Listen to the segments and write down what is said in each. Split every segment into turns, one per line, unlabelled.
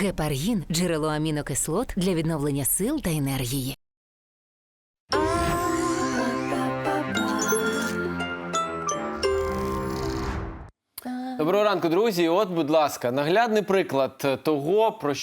Гепаргін – джерело амінокислот для відновлення сил та енергії.
Доброго ранку, друзі. От, будь ласка, наглядний приклад того, про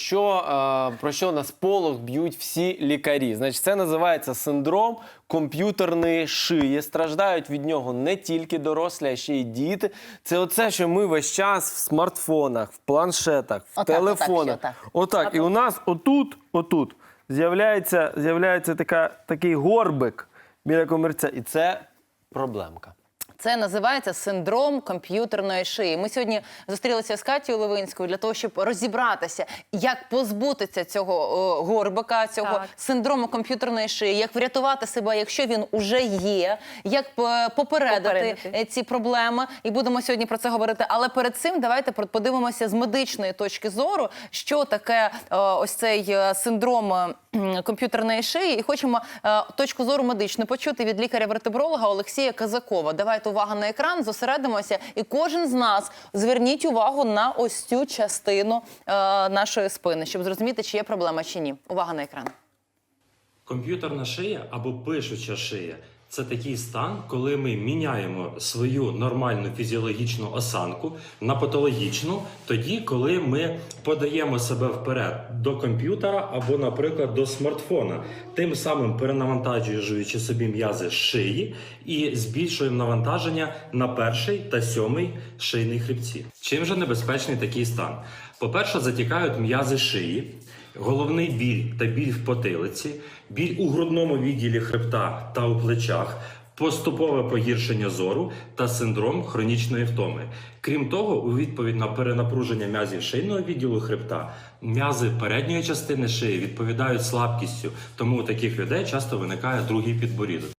що на сполох б'ють всі лікарі. Значить, це називається синдром комп'ютерної шиї. Страждають від нього не тільки дорослі, а ще й діти. Це оце, що ми весь час в смартфонах, в планшетах, в телефонах. Отак. І у нас отут з'являється такий горбик біля комірця. І це проблемка.
Це називається синдром комп'ютерної шиї. Ми сьогодні зустрілися з Катєю Левинською для того, щоб розібратися, як позбутися цього горбика, цього синдрому комп'ютерної шиї, як врятувати себе, якщо він уже є, як попередити ці проблеми. І будемо сьогодні про це говорити. Але перед цим давайте подивимося з медичної точки зору, що таке ось цей синдром комп'ютерної шиї. І хочемо точку зору медичну почути від лікаря-вертебролога Олексія Казакова. Давайте увага на екран, зосередимося, і кожен з нас зверніть увагу на ось цю частину нашої спини, щоб зрозуміти, чи є проблема, чи ні. Увага на екран.
Комп'ютерна шия або пишуча шия – це такий стан, коли ми міняємо свою нормальну фізіологічну осанку на патологічну, тоді, коли ми подаємо себе вперед до комп'ютера або, наприклад, до смартфона, тим самим перенавантажуючи собі м'язи шиї і збільшуємо навантаження на перший та сьомий шийний хребці. Чим же небезпечний такий стан? По-перше, затікають м'язи шиї, головний біль та біль в потилиці, біль у грудному відділі хребта та у плечах, поступове погіршення зору та синдром хронічної втоми. Крім того, у відповідь на перенапруження м'язів шийного відділу хребта, м'язи передньої частини шиї відповідають слабкістю, тому у таких людей часто виникає другий підборідок.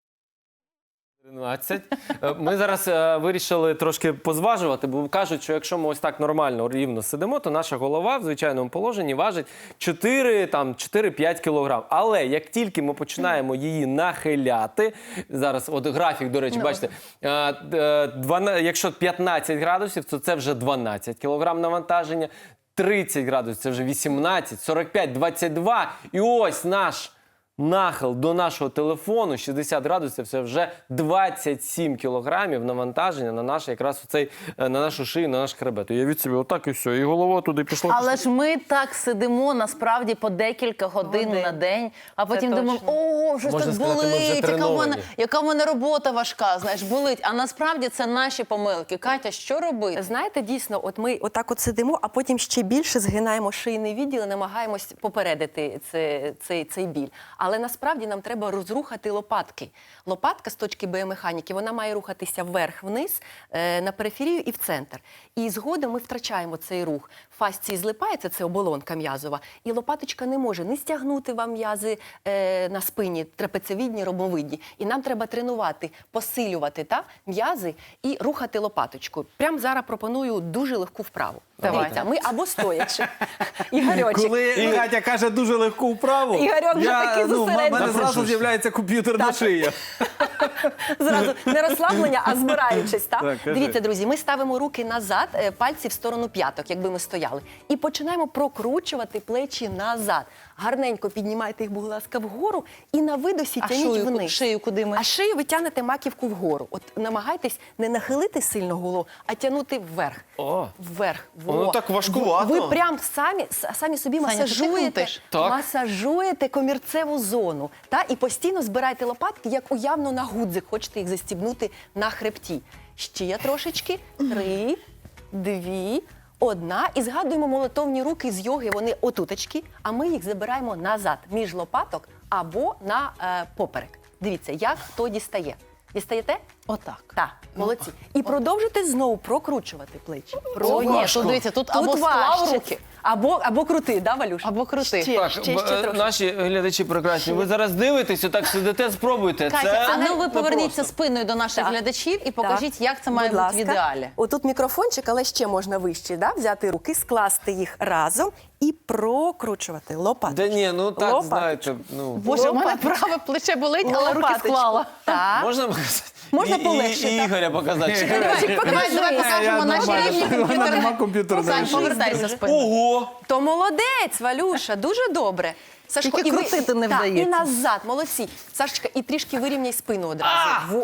Ми зараз вирішили трошки позважувати, бо кажуть, що якщо ми ось так нормально, рівно сидимо, то наша голова в звичайному положенні важить 4-5 кілограм. Але як тільки ми починаємо її нахиляти, зараз от графік, до речі, бачите, якщо 15 градусів, то це вже 12 кілограм навантаження, 30 градусів – це вже 18, 45, 22. І ось наш нахил до нашого телефону 60 градусів – це вже 27 кілограмів навантаження на нашу шию, на наш хребет. Уявіть собі, отак і все, і голова туди пішла.
Але ж ми так сидимо, насправді, по декілька годин на день, а потім думаємо, о, щось так болить, яка в мене робота важка, знаєш, болить. А насправді це наші помилки. Катя, що робити?
Знаєте, дійсно, от ми отак от сидимо, а потім ще більше згинаємо шийний відділ і намагаємось попередити цей біль. Але насправді нам треба розрухати лопатки. Лопатка з точки біомеханіки, вона має рухатися вверх-вниз, на периферію і в центр. І згодом ми втрачаємо цей рух. Фасції злипається, це оболонка м'язова, і лопаточка не може не стягнути вам м'язи на спині, трапециевидні, ромбовидні. І нам треба тренувати, посилювати м'язи і рухати лопаточку. Прямо зараз пропоную дуже легку вправу. Дивіться, ми або стоячи. Ігорьочек.
Коли Катя каже дуже легку вправу,
Ігорьок вже такий зосереджений.
в мене зразу з'являється комп'ютерна шия.
Зразу не розслаблення, а збираючись.
Так,
Дивіться, друзі, ми ставимо руки назад, пальці в сторону п'яток, якби ми стояли. І починаємо прокручувати плечі назад. Гарненько піднімайте їх, будь ласка, вгору і на видосі тягніть вниз.
Шию куди ми?
А шию ви тягнете маківку вгору. От намагайтесь не нахилити сильно голову, а тягнути вверх. Вверх.
Воно так важкувато.
Ви прям самі собі масажуєте комірцеву зону. І постійно збирайте лопатки, як уявно на гудзик. Хочете їх застібнути на хребті. Ще трошечки. 3, 2, 1. І згадуємо молитовні руки з йоги. Вони отуточки, а ми їх забираємо назад, між лопаток або на поперек. Дивіться, як хто дістає. Дістаєте?
Отак.
Так, молодці. І продовжуйте знову прокручувати плечі.
Тут, дивіться, тут або склав руки,
або крути, да, Валюш?
або крути.
Ще трошки.
Наші глядачі прекрасні, ви зараз дивитесь, отак сидите, спробуйте.
Катя, а ну ви поверніться спиною до наших глядачів і покажіть, як це має бути в ідеалі.
Отут мікрофончик, але ще можна вище, взяти руки, скласти їх разом і прокручувати лопаточку.
Да ні, ну так, знаєте,
Боже, у мене праве плече болить, але руки склала.
Так.
Можна показати?
Можна полегше,
І Ігоря показати.
Давай покажемо наші рівні
Вона нема комп'ютерної
Сань,
шиї.
повертайся спиною.
То молодець, Валюша, дуже добре. Сашко,
Тільки
і ви-
крутити не
так,
вдається.
І назад, молодці. Сашечка, і трішки вирівняй спину одразу.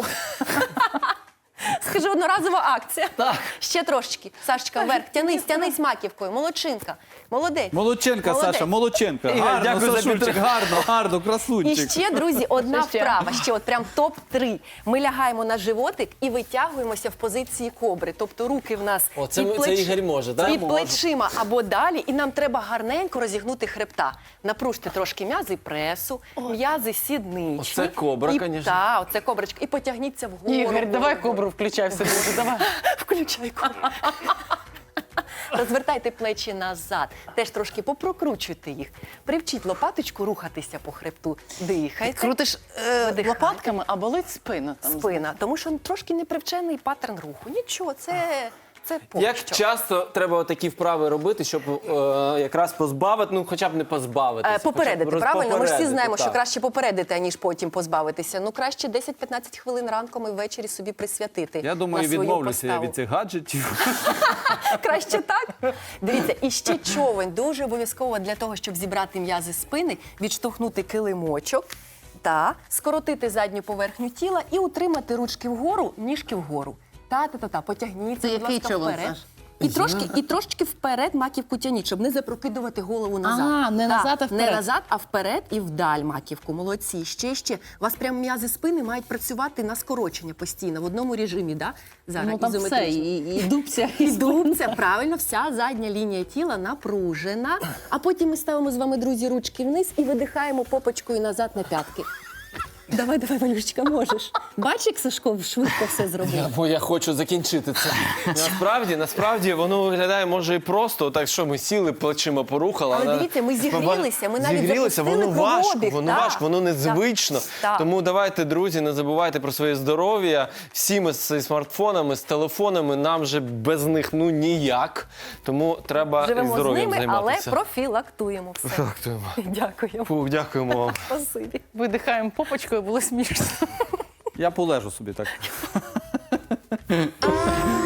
Скажи, одноразова акція.
Так.
Ще трошечки. Сашечка, вверх, тянись маківкою. Молодчинка. Молодець.
Молодченка,
Молодець.
Саша, молодченка.
Ігор,
Гарно,
дякую за
Сашунчик,
підтримку.
гарно,
І
красунчик.
ще, друзі, одна
Ще.
вправа, ще от прям топ-3. Ми лягаємо на животик і витягуємося в позиції кобри. Тобто руки в нас
О, це Ігор може, да?
під
Може.
плечима або далі. І нам треба гарненько розігнути хребта. Напружте трошки м'язи пресу, м'язи сідничні.
Оце кобра,
І-
конечно.
Так, оце коброчка. І потягніться вгору.
Ігор, давай
вгору.
кобру включай в себе. Давай.
Включай кобру. Розвертайте плечі назад. Теж трошки попрокручуйте їх. Привчіть лопаточку рухатися по хребту. Дихайте.
Крутиш
Видихайте.
лопатками, а болить спина. Там.
Спина, тому що трошки непривчений паттерн руху. Нічого, це
Як
пощо.
часто треба такі вправи робити, щоб якраз позбавити, ну хоча б не позбавитися.
Попередити,
хоча б
правильно? Ми ж всі
попередити,
знаємо, що
так.
краще попередити, аніж потім позбавитися. Ну, краще 10-15 хвилин ранком і ввечері собі присвятити.
Я думаю,
на свою
відмовлюся я
поставу.
від цих гаджетів.
Краще так? Дивіться, і ще човен. Дуже обов'язково для того, щоб зібрати м'язи спини, відштовхнути килимочок, скоротити задню поверхню тіла і утримати ручки вгору, ніжки вгору. Та-та-та, потягніться,
Це
будь
який
ласка,
човен,
вперед.
Саш?
І трошки вперед маківку тяніть, щоб не запрокидувати голову назад.
А, не назад, а вперед.
Не назад, а вперед і вдаль маківку. Молодці. Ще. У вас прям м'язи спини мають працювати на скорочення постійно, в одному режимі, да? Зараз,
Ну там все,
ізометрично.
і дубця, і
Дубця, правильно, вся задня лінія тіла напружена. А потім ми ставимо з вами, друзі, ручки вниз і видихаємо попочкою назад на п'ятки. Давай, Валюшечка, можеш. Бачиш, як Сашко швидко все зробив?
Бо я хочу закінчити це. Насправді воно виглядає може і просто, так що ми сіли, плечима порухали.
Але дивіться, ми зігрілися, ми навіть
зігрілися,
запустили
воно важко,
кровообіг,
воно
так,
важко, воно незвично.
так.
Тому давайте, друзі, не забувайте про своє здоров'я. Всі ми з смартфонами, з телефонами, нам же без них ну ніяк. Тому треба
Живемо з
здоров'ям
ними, але
займатися.
профілактуємо все.
Дякуємо.
Дякуємо.
Фух, дякуємо вам.
Спасибі.
видихаємо попочкою, було смішно.
Я полежу собі так.